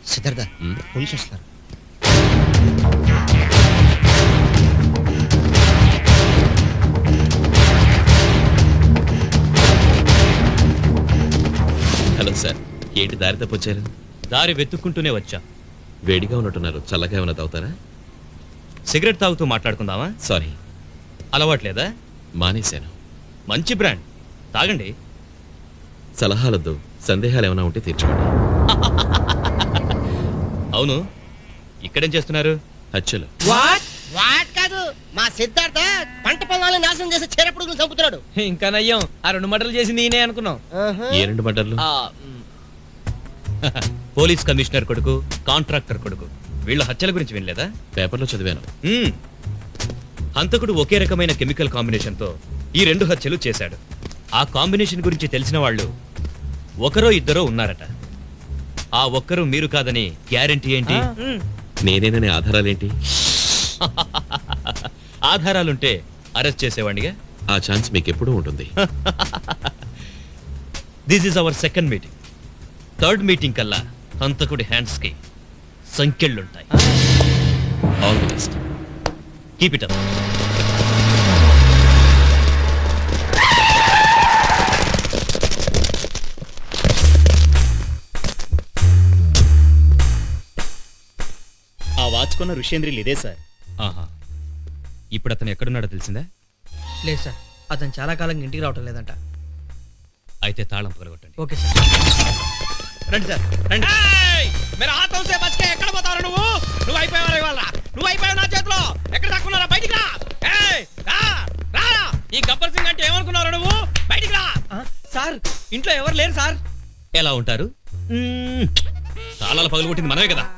Siddhartha police వస్తున్నారు. Hello sir, ఏంటి దారి తప్పొచ్చారు? దారి వెతుక్కుంటూనే వచ్చా. వేడిగా ఉన్నట్టున్నారు, చల్లగా ఏమైనా తాగుతారా? సిగరెట్ తాగుతూ మాట్లాడుకుందామా? సారీ, అలవాట్లేదా? మానేశాను. మంచి బ్రాండ్, తాగండి. సలహాలొద్దు, సందేహాలు ఏమైనా ఉంటే తీర్చుకోండి. అవును, ఇక్కడేం చేస్తున్నారు? హత్యలు. వాట్ కాదు, మా సిద్ధార్థ పంట పొలాలను నాశనం చేసి చీరపుడుగులు చంపుతున్నాడు. ఇంకా నయ్యం, ఆ 2 మటలు చేసి నేనే అనుకున్నాం. ఏ 2 మర్డర్లు? పోలీస్ కమిషనర్ కొడుకు, కాంట్రాక్టర్ కొడుకు, వీళ్ళ హత్యల గురించి వినలేదా? పేపర్లో చదివాను. హంతకుడు ఒకే రకమైన కెమికల్ కాంబినేషన్తో ఈ 2 హత్యలు చేశాడు. ఆ కాంబినేషన్ గురించి తెలిసిన వాళ్ళు ఒకరో ఇద్దరో ఉన్నారట. ఆ ఒక్కరు మీరు కాదని గ్యారెంటీ ఏంటి? నేనేననే ఆధారాలేంటి? ఆధారాలుంటే అరెస్ట్ చేసేవాడిగా. ఆ ఛాన్స్ మీకు ఎప్పుడూ ఉంటుంది. This is our second meeting. Third meeting కల్లా హంతకుడి హ్యాండ్స్ కి సంఖ్యలుంటాయి. All the best. Keep it up. ఆ వాచుకున్న ఋషేంద్రిలు ఇదే సార్. ఆహా, ఇప్పుడు అతను ఎక్కడున్నాడో తెలిసిందా? లేదు సార్, అతను చాలా కాలంగా ఇంటికి రావటం లేదంట. అయితే తాళం పగలగొట్టండి. Okay sir. రండి సార్, రండి. ఎక్కడ పోతావు నువ్వు? నువ్వు అయిపోయావు ఇవాళ, నువ్వు అయిపోయావు నా చేతిలో. ఎక్కడ దాక్కున్నారా? బయటికి రా. ఈ గబ్బర్ సింగ్ అంటే ఏమనుకున్నావు నువ్వు? బయటికి రా. సార్, ఇంట్లో ఎవరు లేరు సార్. ఎలా ఉంటారు? తాళాలు పగలగొట్టింది మనమే కదా.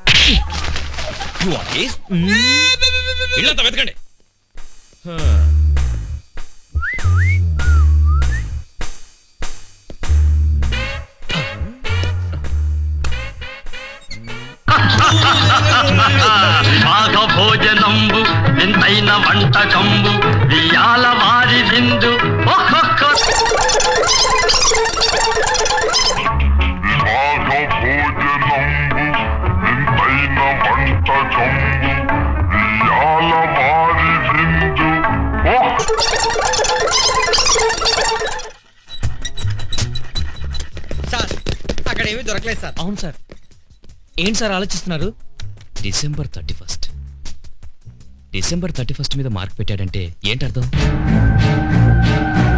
ఇళ్ళంతా వెతకండి. భాగ భోజనంబు వింతైన వంటకంబు వియాల వారి విందు ఒక్కొక్క సార్, అక్కడ ఏమీ దొరకలేదు సార్. అవును సార్. ఏంటి సార్ ఆలోచిస్తున్నారు? డిసెంబర్ 31 మీద మార్క్ పెట్టాడంటే ఏంటర్థం?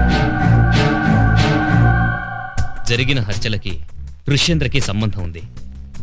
జరిగిన హత్యలకి ఋష్యేంద్రకి సంబంధం ఉంది.